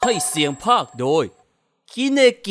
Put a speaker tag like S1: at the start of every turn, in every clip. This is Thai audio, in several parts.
S1: ให้เสียงภาคโดยคิเนกิ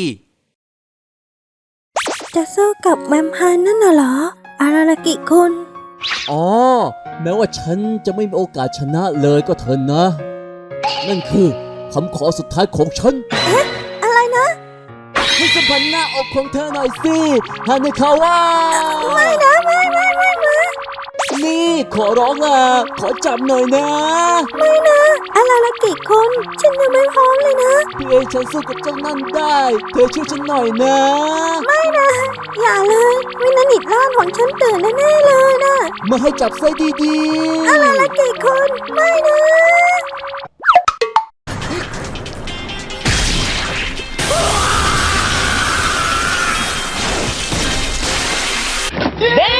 S2: จะสู้กับแวมไพร์นั่นน่ะเหรอ อารารากิคุณ
S3: อ๋อแม้ว่าฉันจะไม่มีโอกาสชนะเลยก็เถอะนะ นั่นคือคำขอสุดท้ายของฉัน
S2: อะไรนะ
S3: ให้สัมผัสหน้าอกของเธอหน่อยสิฮาเนคาวะ
S2: ไม่นะไม่
S3: นี่ขอร้องล่ะขอจับหน่อยนะ
S2: ไม่นะ อารารากิคุณ ฉันยังไม่พร้อมเลยนะ
S3: เพื่อให้ฉันสู้กับเจ้านั่นได้ เธอช่วยฉันหน่อยนะ
S2: ไม่นะ อย่าเลยวินานิดล่างของฉันตื่นแน่ๆเลยนะ
S3: มาให้จับไส้ดี
S2: อารารากิคุณ ไม่นะ
S4: เด้